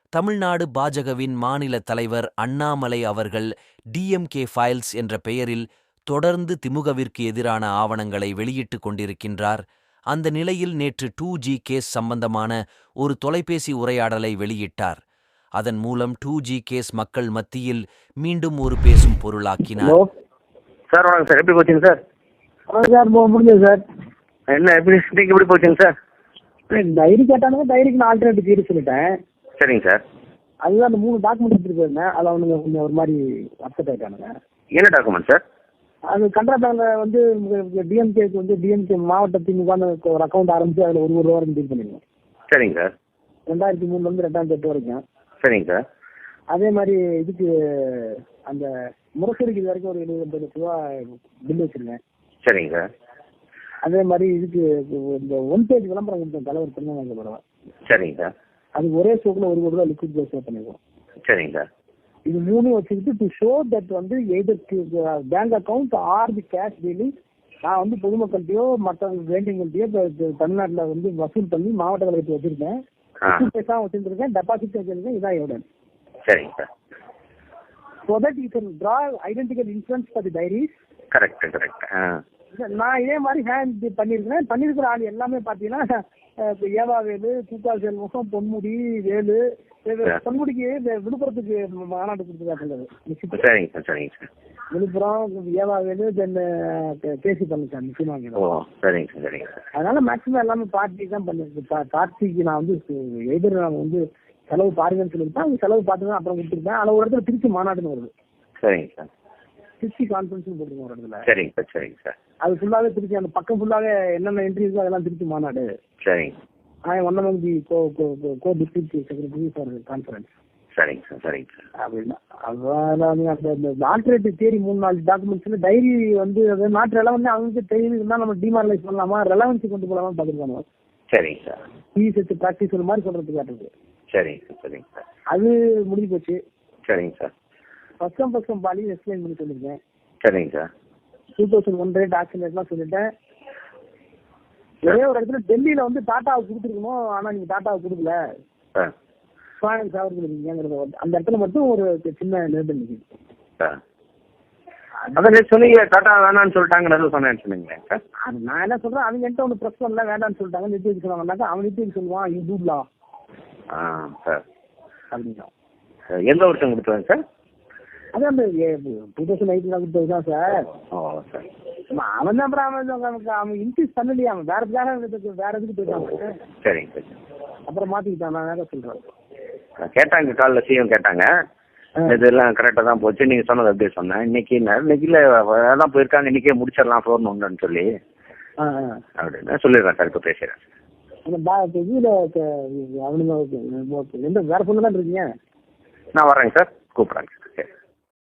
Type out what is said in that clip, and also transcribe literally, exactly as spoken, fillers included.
தமிழ்நாடு பாஜகவின் மாநில தலைவர் அண்ணாமலை அவர்கள் டிஎம்கே ஃபைல்ஸ் என்ற பெயரில் தொடர்ந்து திமுகவிற்கு எதிரான ஆவணங்களை வெளியிட்டுக் கொண்டிருக்கின்றார். அந்த நிலையில் நேற்று டூ ஜி கேஸ் சம்பந்தமான ஒரு தொலைபேசி உரையாடலை வெளியிட்டார். அதன் மூலம் டூ ஜி கேஸ் மக்கள் மத்தியில் மீண்டும் ஒரு பேசும் பொருளாக்கினார். சார் வணக்கம் சார், எப்படி போச்சுங்க சார்? சார் முடிஞ்சது சார். என்ன எப்படி இன்னைக்கு எப்படி போச்சுங்க சார்? டைரி கேட்டானுங்க, டைரிக்கு நான் ஆல்டர்னேட்டிவ் தீர்வு சொல்லிட்டேன். சரிங்க சார். அதுதான் அந்த மூணு டாக்குமெண்ட் எடுத்துட்டு போயிருந்தேன். அதில் அவனுங்க கொஞ்சம் ஒரு மாதிரி அப்செட் ஆகிட்டானுங்க. என்ன டாக்குமெண்ட் சார்? அது கனரா பேங்க்ல வந்து டிஎம்கேக்கு வந்து டிஎம்கே மாவட்ட திமுக ஒரு அக்கௌண்ட் ஆரம்பிச்சு அதில் ஒரு ஒரு ரூபா வரைக்கும் டீல் பண்ணிடுவோம். சரிங்க சார். ரெண்டாயிரத்தி மூணுல இருந்து ரெண்டாயிரத்தி எட்டு வரைக்கும். சரிங்க சார். அதே மாதிரி இதுக்கு அந்த முரசொலிக்கு இது வரைக்கும் ஒரு எழுபது எண்பது லட்ச ரூபா பில் வச்சிருக்கேன். சரிங்க சார். அதே மாதிரி இதுக்கு இந்த ஒன் பேஜ் விளம்பரம் கொடுத்தேன் தலைவர் திருநெல்வேலி பரவா. சரிங்க சார். அதுக்கு ஒரே ஷோக்கில் ஒரு கோடி ரூபா லிக்விட் கேஸ் சேவ் பண்ணிடுவோம். சரிங்க சார். இது மூணும் வச்சுக்கிட்டு டு ஷோ தட் வந்து எதற்கு bank account or the cash dealing நான் வந்து பொதுமக்கள்கிட்டயோ மற்ற வேண்டியவங்கள்ட்டயோ தமிழ்நாட்டில் வந்து வசூல் பண்ணி மாவட்ட கழகத்தை வச்சிருக்கேன், பேசாம வச்சிருக்கேன், டெபாசிட் வச்சிருக்கேன். இதான் எவிடன்ஸ். சரிங்க sir. So that you can draw identical inference for the diaries. Correct correct. நான் இதே மாதிரி ஹேண்ட் பண்ணிருக்கேன். பண்ணிருக்கிற ஆள் எல்லாமே பாத்தீங்கன்னா ஏவாவேலு, தூக்கால் செல்வம், பொன்முடி, வேலு. பொன்முடிக்கு விழுப்புரத்துக்கு மாநாடு கொடுத்துருக்காங்க. சரிங்க சார். சரிங்க சார். விழுப்புரம் ஏவாவேலு தென் பேசி பண்ணிருக்காங்க முக்கியமாக. ஓ சரிங்க சார். சரிங்க சார். அதனால மேக்சிமம் எல்லாமே பார்ட்டி தான் பண்ணிருக்கேன். பார்ட்டிக்கு நான் வந்து எதிர் நாங்கள் வந்து செலவு பாருங்கன்னு சொல்லியிருப்பேன். அவங்க செலவு பார்த்துதான் அப்புறம் கொடுத்துருப்பேன். அதில் ஒரு இடத்துல திருச்சி மாநாடுன்னு வருது. சரிங்க சார். திருச்சி கான்ஃபரன்ஸ் போட்டுருக்கோம் ஒரு இடத்துல. சரிங்க சார். சரிங்க சார். அது ஃபுல்லாவே திருச்சி, அந்த பக்கம் ஃபுல்லாவே என்னென்ன என்ட்ரி இருக்கோ அதெல்லாம் திருச்சி மாநாடு. சரிங்க. I one among the co co district secretary for conference. சரிங்க சார். சரிங்க சார். அப்படின்னா அதான் அந்த ஆல்டர்னேட்டிவ் தியரி மூணு நாலு டாக்குமெண்ட்ஸ்ல டைரி வந்து அது நாட்டு ரெலவென்ட் அவங்களுக்கு தெரியுது இருந்தால் நம்ம டிமாரலைஸ் பண்ணலாமா, ரெலவன்சி கொண்டு போகலாமா பார்த்துருக்காங்க. சரிங்க சார். பிஎஸ்எஸ் ப்ராக்டிஸ் ஒரு மாதிரி சொல்றதுக்கு காட்டுறது. சரிங்க சார். சரிங்க சார். அது முடிஞ்சு போச்சு. சரிங்க சார். ஃபர்ஸ்ட் ஃபர்ஸ்ட் பாலி எக்ஸ்பிளைன் பண்ணி சொல்லியிருக்கேன். சரிங்க sir. Two thousand one rate action ரேட்லாம் சொல்லிட்டேன். ஒரே ஒரு இடத்துல டெல்லியில வந்து டாட்டாவுக்கு கொடுத்துருக்கணும், ஆனா நீங்க டாட்டாவுக்கு கொடுக்கல, ஃபைனான்ஸ் அவருக்கு இருக்கீங்கிறத அந்த இடத்துல மட்டும் ஒரு சின்ன லேபிள் நிற்குது. அதான் சொன்னீங்க டாட்டா வேணான்னு சொல்லிட்டாங்க சொன்னேன்னு சொன்னீங்களே சார். நான் என்ன சொல்றேன், அவங்க என்கிட்ட ஒன்று ப்ரெஸ் பண்ணல, வேண்டான்னு சொல்லிட்டாங்க. நித்தி சொன்னாங்கன்னாக்கா அவன் நித்தி சொல்லுவான் யூ டூப்லா ஆ சார் அப்படின்னா. எந்த வருஷம் கொடுத்தாங்க சார்? அது அந்த டூ தௌசண்ட் எயிட்ல கொடுத்தது தான் சார். ஓ சார். அவன் தான் அப்புறம் அவன் அவன் இன்க்ரீஸ் பண்ணலையே, அவன் வேற வேற வேற எதுக்கு போயிட்டாங்க. சரிங்க சார். அப்புறம் மாத்திக்கிட்டான். நான் வேற சொல்றேன். கேட்டாங்க காலைல சிஎம் கேட்டாங்க, இதெல்லாம் கரெக்டாக தான் போச்சு நீங்கள் சொன்னது அப்படியே சொன்னேன். இன்னைக்கு இன்னைக்கு இல்லை அதான் போயிருக்காங்க, இன்னைக்கே முடிச்சிடலாம் ஃபோன் ஒன்றுன்னு சொல்லி அப்படின்னு சொல்லிடுறேன் சார். இப்போ பேசுகிறேன். அந்த இதில் அவனுங்க எந்த வேற பொண்ணு தான் இருக்கீங்க? நான் வரேங்க சார், கூப்பிட்றேங்க சார்.